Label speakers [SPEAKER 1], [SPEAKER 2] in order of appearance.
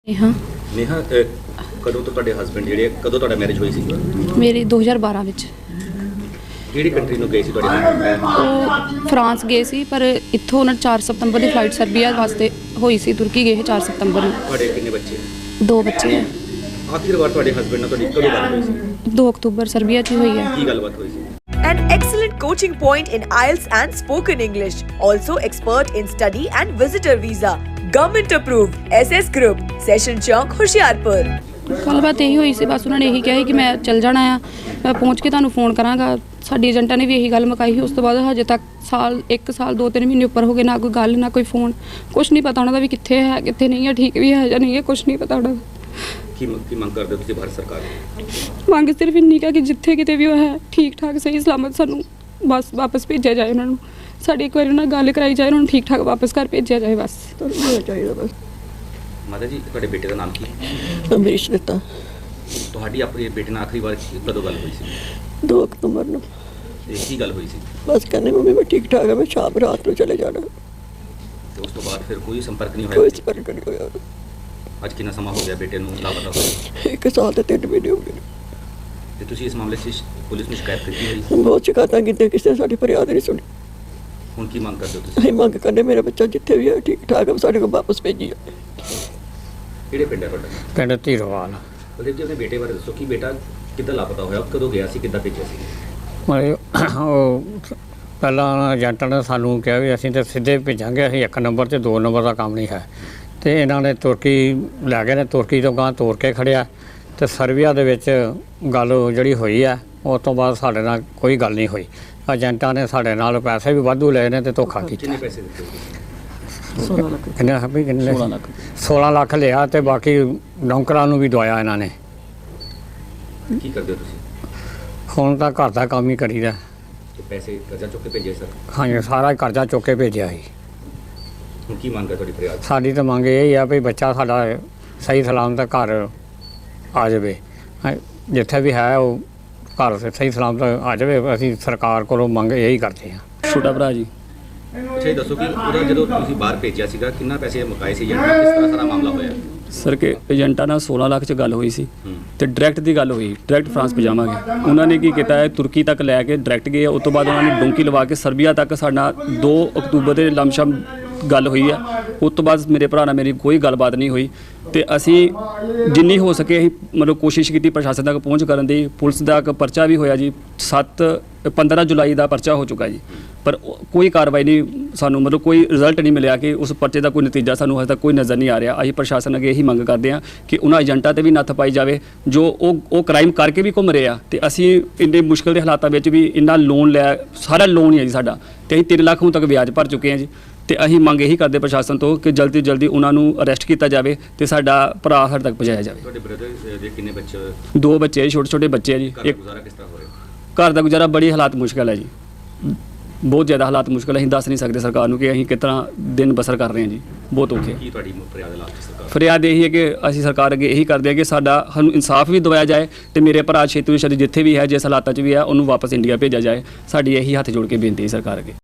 [SPEAKER 1] नेहा
[SPEAKER 2] नेहा कदों तो ਤੁਹਾਡੇ ਹਸਬੰਡ ਜਿਹੜੇ ਕਦੋਂ ਤੁਹਾਡਾ ਮੈਰਿਜ ਹੋਈ ਸੀ?
[SPEAKER 1] ਮੇਰੀ 2012 ਵਿੱਚ
[SPEAKER 2] ਕਿਹੜੀ ਕੰਟਰੀ ਨੂੰ ਗਏ ਸੀ ਤੁਹਾਡੇ husband?
[SPEAKER 1] ਉਹ ਫਰਾਂਸ ਗਏ ਸੀ, ਪਰ ਇੱਥੋਂ ਉਹਨਾਂ 4 ਸਤੰਬਰ ਦੀ ਫਲਾਈਟ ਸਰਬੀਆ ਵਾਸਤੇ ਹੋਈ ਸੀ। ਤੁਰਕੀ ਗਏ 4 ਸਤੰਬਰ ਨੂੰ।
[SPEAKER 2] ਤੁਹਾਡੇ ਕਿੰਨੇ ਬੱਚੇ?
[SPEAKER 1] 2 ਬੱਚੇ ਹੈ।
[SPEAKER 2] ਆਖਿਰ ਵਾਰ ਤੁਹਾਡੇ ਹਸਬੰਡ ਨਾਲ ਤੁਹਾਡੀ ਕਦੋਂ ਗੱਲ ਹੋਈ ਸੀ?
[SPEAKER 1] 2 ਅਕਤੂਬਰ ਸਰਬੀਆ 'ਚ ਹੀ ਹੋਈ ਹੈ।
[SPEAKER 2] ਕੀ ਗੱਲਬਾਤ ਹੋਈ ਸੀ?
[SPEAKER 3] An excellent coaching point in IELTS and spoken English. Also expert in study and visitor visa. Government approved. SS Group. Session Chowk, Hoshiarpur.
[SPEAKER 1] ਗੱਲਬਾਤ ਇਹੀ ਹੋਈ ਸੀ, ਬਸ ਉਹਨਾਂ ਨੇ ਇਹੀ ਕਿਹਾ ਸੀ ਕਿ ਮੈਂ ਚੱਲ ਜਾਣਾ ਆ, ਮੈਂ ਪਹੁੰਚ ਕੇ ਤੁਹਾਨੂੰ ਫੋਨ ਕਰਾਂਗਾ। ਸਾਡੀ ਏਜੰਟਾਂ ਨੇ ਵੀ ਇਹੀ ਗੱਲ ਮੁਕਾਈ ਸੀ। ਉਸ ਤੋਂ ਬਾਅਦ ਹਜੇ ਤੱਕ 1 ਸਾਲ 2-3 ਮਹੀਨੇ ਉੱਪਰ ਹੋ ਗਏ, ਨਾ ਕੋਈ ਗੱਲ ਨਾ ਕੋਈ ਫੋਨ, ਕੁਛ ਨਹੀਂ ਪਤਾ ਉਹਨਾਂ ਦਾ ਵੀ ਕਿੱਥੇ ਹੈ ਕਿੱਥੇ ਨਹੀਂ ਹੈ, ਠੀਕ ਵੀ ਹੈ ਜਾਂ ਨਹੀਂ ਹੈ, ਕੁਛ ਨਹੀਂ ਪਤਾ ਉਹਨਾਂ ਦਾ।
[SPEAKER 2] ਕੀ ਮੰਗ ਕਰਦੇ ਹੋ ਤੁਸੀਂ ਭਾਰਤ ਸਰਕਾਰ ਨੂੰ?
[SPEAKER 1] ਮੰਗ ਸਿਰਫ ਇੰਨੀ ਕਿ ਜਿੱਥੇ ਕਿਤੇ ਵੀ ਉਹ ਹੈ ਠੀਕ ਠਾਕ ਸਹੀ ਸਲਾਮਤ ਸਾਨੂੰ ਬਸ ਵਾਪਸ ਭੇਜਿਆ ਜਾਏ। ਉਹਨਾਂ ਨੂੰ ਸਾਡੀ ਇੱਕ ਵਾਰੀ ਉਹਨਾਂ ਨਾਲ ਗੱਲ ਕਰਾਈ ਜਾਏ, ਉਹਨਾਂ ਨੂੰ ਠੀਕ ਠਾਕ ਵਾਪਸ ਘਰ ਭੇਜਿਆ ਜਾਏ, ਬਸ ਚਾਹੀਦਾ ਬਸ।
[SPEAKER 2] ਮਾਤਾ ਜੀ, ਤੁਹਾਡੇ ਬੇਟੇ ਦਾ ਨਾਮ ਕੀ?
[SPEAKER 4] ਅਮਰੀਸ਼ ਦਿੱਤਾ।
[SPEAKER 2] ਤੁਹਾਡੀ ਆਪਣੇ ਬੇਟੇ ਨਾਲ ਆਖਰੀ ਵਾਰ ਕਦੋਂ ਗੱਲ ਹੋਈ ਸੀ?
[SPEAKER 4] 2 ਅਕਤੂਬਰ ਨੂੰ।
[SPEAKER 2] ਤੇ ਕੀ ਗੱਲ ਹੋਈ ਸੀ?
[SPEAKER 4] ਬਸ ਕਹਿੰਦੇ ਮੰਮੀ ਮੈਂ ਠੀਕ ਠਾਕ ਹਾਂ, ਮੈਂ ਸ਼ਾਮ ਰਾਤ ਨੂੰ ਚਲੇ ਜਾਣਾ।
[SPEAKER 2] ਤੇ ਉਸ ਤੋਂ ਬਾਅਦ ਫਿਰ ਕੋਈ ਸੰਪਰਕ ਨਹੀਂ
[SPEAKER 4] ਕੋਈ
[SPEAKER 2] ਹੋਇਆ?
[SPEAKER 4] ਸੰਪਰਕ ਨਹੀਂ ਹੋਇਆ।
[SPEAKER 2] ਅੱਜ ਕਿੰਨਾ ਸਮਾਂ ਹੋ ਗਿਆ ਬੇਟੇ ਨੂੰ ਲਾਪਤਾ ਹੋਏ?
[SPEAKER 4] 1 ਸਾਲ ਤੇ 3 ਮਹੀਨੇ ਹੋ ਗਏ।
[SPEAKER 2] ਤੇ ਤੁਸੀਂ ਇਸ ਮਾਮਲੇ 'ਚ ਪੁਲਿਸ ਨੂੰ ਸ਼ਿਕਾਇਤ ਕੀਤੀ ਹੋਈ?
[SPEAKER 4] ਬਹੁਤ ਸ਼ਿਕਾਇਤਾਂ ਕੀਤੀਆਂ, ਕਿਸੇ ਨੇ ਸਾਡੀ ਫਰਿਆਦ ਨਹੀਂ ਸੁਣੀ।
[SPEAKER 2] ਹੁਣ ਕੀ ਮੰਗ ਕਰਦੇ ਹੋ ਤੁਸੀਂ?
[SPEAKER 4] ਅਸੀਂ ਮੰਗ ਕਰਦੇ ਮੇਰਾ ਬੱਚਾ ਜਿੱਥੇ ਵੀ ਹੈ ਠੀਕ ਠਾਕ ਹੈ, ਸਾਡੇ ਕੋਲ ਵਾਪਸ ਭੇਜੀ ਜਾਵੇ।
[SPEAKER 2] ਕਿਹੜੇ ਪਿੰਡ ਹੈ ਤੁਹਾਡਾ?
[SPEAKER 5] ਪਿੰਡ ਧੀਰੋਵਾਲ।
[SPEAKER 2] ਬਲਦੇਵ ਜੀ, ਆਪਣੇ ਬੇਟੇ ਬਾਰੇ ਦੱਸੋ ਕਿ ਬੇਟਾ ਕਿੱਦਾਂ ਲਾਪਤਾ ਹੋਇਆ, ਕਦੋਂ ਗਿਆ ਸੀ, ਕਿੱਦਾਂ ਭੇਜਿਆ ਸੀ?
[SPEAKER 5] ਮਤਲਬ ਉਹ ਪਹਿਲਾਂ ਏਜੰਟਾਂ ਨੇ ਸਾਨੂੰ ਕਿਹਾ ਵੀ ਅਸੀਂ ਤਾਂ ਸਿੱਧੇ ਭੇਜਾਂਗੇ, ਅਸੀਂ 1 ਨੰਬਰ ਤੇ 2 ਨੰਬਰ ਦਾ ਕੰਮ ਨਹੀਂ ਹੈ। ਤੇ ਇਹਨਾਂ ਨੇ ਤੁਰਕੀ ਲੈ ਗਏ ਨੇ, ਤੁਰਕੀ ਤੋਂ ਗਾਂ ਤੋਰ ਕੇ ਖੜਿਆ। ਤੇ ਸਰਬੀਆ ਦੇ ਵਿੱਚ ਗੱਲ ਜਿਹੜੀ ਹੋਈ ਹੈ, ਉਸ ਤੋਂ ਬਾਅਦ ਸਾਡੇ ਨਾਲ ਕੋਈ ਗੱਲ ਨਹੀਂ ਹੋਈ। ਏਜੰਟਾਂ ਨੇ ਸਾਡੇ ਨਾਲ ਪੈਸੇ ਵੀ ਵਾਧੂ ਲਏ ਨੇ ਤੇ ਧੋਖਾ ਕੀਤਾ।
[SPEAKER 2] ਕਿੰਨੇ ਪੈਸੇ ਦਿੱਤੇ?
[SPEAKER 4] 16 ਲੱਖ।
[SPEAKER 5] ਕਿੰਨੇ 16 ਲੱਖ ਲਿਆ ਤੇ ਬਾਕੀ ਨੌਕਰਾਂ ਨੂੰ ਵੀ ਦਵਾਇਆ ਇਹਨਾਂ ਨੇ।
[SPEAKER 2] ਕੀ ਕਰਦੇ ਹੋ ਤੁਸੀਂ?
[SPEAKER 5] ਹੁਣ ਤਾਂ ਘਰ ਦਾ ਕੰਮ ਹੀ ਕਰੀਦਾ।
[SPEAKER 2] ਤੇ ਪੈਸੇ ਕਰਜ਼ਾ ਚੁੱਕ ਕੇ ਭੇਜੇ ਸਰ?
[SPEAKER 5] ਹਾਂਜੀ, ਸਾਰਾ ਕਰਜ਼ਾ ਚੁੱਕ ਕੇ ਭੇਜਿਆ ਸੀ।
[SPEAKER 2] ਹੁਣ ਕੀ ਮੰਗ ਹੈ ਤੁਹਾਡੀ ਫਰਿਆਦ?
[SPEAKER 5] ਸਾਡੀ ਤਾਂ ਮੰਗ ਇਹ ਆ ਵੀ ਬੱਚਾ ਸਾਡਾ ਸਹੀ ਸਲਾਮਤ ਘਰ ਆ ਜਾਵੇ। ਜਿੱਥੇ ਵੀ ਹੈ ਉਹ ਘਰ ਸਹੀ ਸਲਾਮਤ ਆ ਜਾਵੇ। ਅਸੀਂ ਸਰਕਾਰ ਕੋਲੋਂ ਮੰਗ ਇਹੀ ਕਰਦੇ ਹਾਂ।
[SPEAKER 6] ਛੋਟਾ ਭਰਾ ਜੀ।
[SPEAKER 2] ਅੱਛਾ, ਇਹ ਦੱਸੋ ਕਿ ਉਹਦਾ ਜਦੋਂ ਤੁਸੀਂ ਬਾਹਰ ਭੇਜਿਆ ਸੀਗਾ ਕਿੰਨਾ ਪੈਸੇ ਮੁਕਾਏ ਸੀ ਏਜੰਟ ਨਾਲ, ਕਿਸ ਤਰ੍ਹਾਂ ਸਾਰਾ ਮਾਮਲਾ ਹੋਇਆ?
[SPEAKER 6] ਸਰ ਕਿ ਏਜੰਟਾਂ ਨਾਲ 16 ਲੱਖ 'ਚ ਗੱਲ ਹੋਈ ਸੀ ਤੇ ਡਾਇਰੈਕਟ ਦੀ ਗੱਲ ਹੋਈ, ਡਾਇਰੈਕਟ ਫਰਾਂਸ ਪਜਾਵਾਂਗੇ। ਉਹਨਾਂ ਨੇ ਕੀ ਕੀਤਾ ਹੈ, ਤੁਰਕੀ ਤੱਕ ਲੈ ਕੇ ਡਾਇਰੈਕਟ ਗਏ। ਉਸ ਤੋਂ ਬਾਅਦ ਉਹਨਾਂ ਨੇ ਡੋਂਕੀ ਲਵਾ ਕੇ ਸਰਬੀਆ ਤੱਕ ਸਾਡਾ 2 ਅਕਤੂਬਰ ਦੇ ਲਮਸ਼ਮ ਗੱਲ ਹੋਈ ਹੈ। ਉਸ ਤੋਂ ਬਾਅਦ ਮੇਰੇ ਭਰਾ ਨਾਲ ਮੇਰੀ ਕੋਈ ਗੱਲਬਾਤ ਨਹੀਂ ਹੋਈ ਤੇ ਅਸੀਂ ਜਿੰਨੀ ਹੋ ਸਕੇ ਅਸੀਂ ਮਤਲਬ ਕੋਸ਼ਿਸ਼ ਕੀਤੀ ਪ੍ਰਸ਼ਾਸਨ ਤੱਕ ਪਹੁੰਚ ਕਰਨ ਦੀ। ਪੁਲਿਸ ਦਾ ਇੱਕ ਪਰਚਾ ਵੀ ਹੋਇਆ ਜੀ, 15 ਜੁਲਾਈ ਦਾ ਪਰਚਾ ਹੋ ਚੁੱਕਾ ਜੀ, ਪਰ ਕੋਈ ਕਾਰਵਾਈ ਨਹੀਂ, ਸਾਨੂੰ ਮਤਲਬ ਕੋਈ ਰਿਜ਼ਲਟ ਨਹੀਂ ਮਿਲਿਆ ਕਿ ਉਸ ਪਰਚੇ ਦਾ ਕੋਈ ਨਤੀਜਾ ਸਾਨੂੰ ਹਜੇ ਤੱਕ ਕੋਈ ਨਜ਼ਰ ਨਹੀਂ ਆ ਰਿਹਾ। ਅਸੀਂ ਪ੍ਰਸ਼ਾਸਨ ਅੱਗੇ ਇਹੀ ਮੰਗ ਕਰਦੇ ਹਾਂ ਕਿ ਉਹਨਾਂ ਏਜੰਟਾਂ ਤੇ ਵੀ ਨੱਥ ਪਾਈ ਜਾਵੇ ਜੋ ਉਹ ਕ੍ਰਾਈਮ ਕਰਕੇ ਵੀ ਘੁੰਮ ਰਹੇ ਆ। ਤੇ ਅਸੀਂ ਇੰਨੇ ਮੁਸ਼ਕਿਲ ਦੇ ਹਾਲਾਤਾਂ ਵਿੱਚ ਵੀ ਇੰਨਾ ਲੋਨ ਲਿਆ, ਸਾਰਾ ਲੋਨ ਹੀ ਹੈ ਜੀ ਸਾਡਾ, ਤੇ ਅਸੀਂ 3 ਲੱਖ ਹੁਣ ਤੱਕ ਵਿਆਜ ਭਰ ਚੁੱਕੇ ਹਾਂ ਜੀ। ਤੇ ਅਸੀਂ ਮੰਗ ਇਹੀ ਕਰਦੇ ਪ੍ਰਸ਼ਾਸਨ ਤੋਂ ਕਿ ਜਲਦੀ ਤੋਂ ਜਲਦੀ ਉਹਨਾਂ ਨੂੰ ਅਰੈਸਟ ਕੀਤਾ ਜਾਵੇ ਤੇ ਸਾਡਾ ਭਰਾ ਸਾਡੇ ਤੱਕ ਪਹੁੰਚਾਇਆ ਜਾਵੇ।
[SPEAKER 2] ਤੁਹਾਡੇ ਬ੍ਰਦਰ ਦੇ ਕਿੰਨੇ ਬੱਚੇ?
[SPEAKER 5] 2 ਬੱਚੇ, ਛੋਟੇ ਬੱਚੇ ਆ ਜੀ।
[SPEAKER 2] ਘਰ ਦਾ ਗੁਜ਼ਾਰਾ ਕਿਸ ਤਰ੍ਹਾਂ ਹੋ ਰਿਹਾ?
[SPEAKER 5] ਘਰ ਦਾ ਗੁਜ਼ਾਰਾ ਬੜੀ ਹਾਲਾਤ ਮੁਸ਼ਕਿਲ ਹੈ ਜੀ, ਬਹੁਤ ਜ਼ਿਆਦਾ ਹਾਲਾਤ ਮੁਸ਼ਕਿਲ। ਅਸੀਂ ਦੱਸ ਨਹੀਂ ਸਕਦੇ ਸਰਕਾਰ ਨੂੰ ਕਿ ਅਸੀਂ ਕਿਸ ਤਰ੍ਹਾਂ ਦਿਨ ਬਸਰ ਕਰ ਰਹੇ ਹਾਂ ਜੀ, ਬਹੁਤ ਔਖੇ।
[SPEAKER 2] ਕੀ ਤੁਹਾਡੀ ਫਰਿਆਦ ਲਾਸਟ ਸਰਕਾਰ?
[SPEAKER 5] ਫਰਿਆਦ ਇਹੀ ਹੈ ਕਿ ਅਸੀਂ ਸਰਕਾਰ ਅੱਗੇ ਇਹੀ ਕਰਦੇ ਹਾਂ ਕਿ ਸਾਨੂੰ ਇਨਸਾਫ ਵੀ ਦਿਵਾਇਆ ਜਾਏ ਤੇ ਮੇਰੇ ਭਰਾ ਛੇਤੀ ਤੋਂ ਛੇਤੀ ਜਿੱਥੇ ਵੀ ਹੈ, ਜਿਸ ਹਾਲਾਤਾਂ 'ਚ ਵੀ ਹੈ, ਉਹਨੂੰ ਵਾਪਸ ਇੰਡੀਆ ਭੇਜਿਆ ਜਾਏ। ਸਾਡੀ ਇਹੀ ਹੱਥ ਜੋੜ ਕੇ ਬੇਨਤੀ ਹੈ ਸਰਕਾਰ ਅੱਗੇ।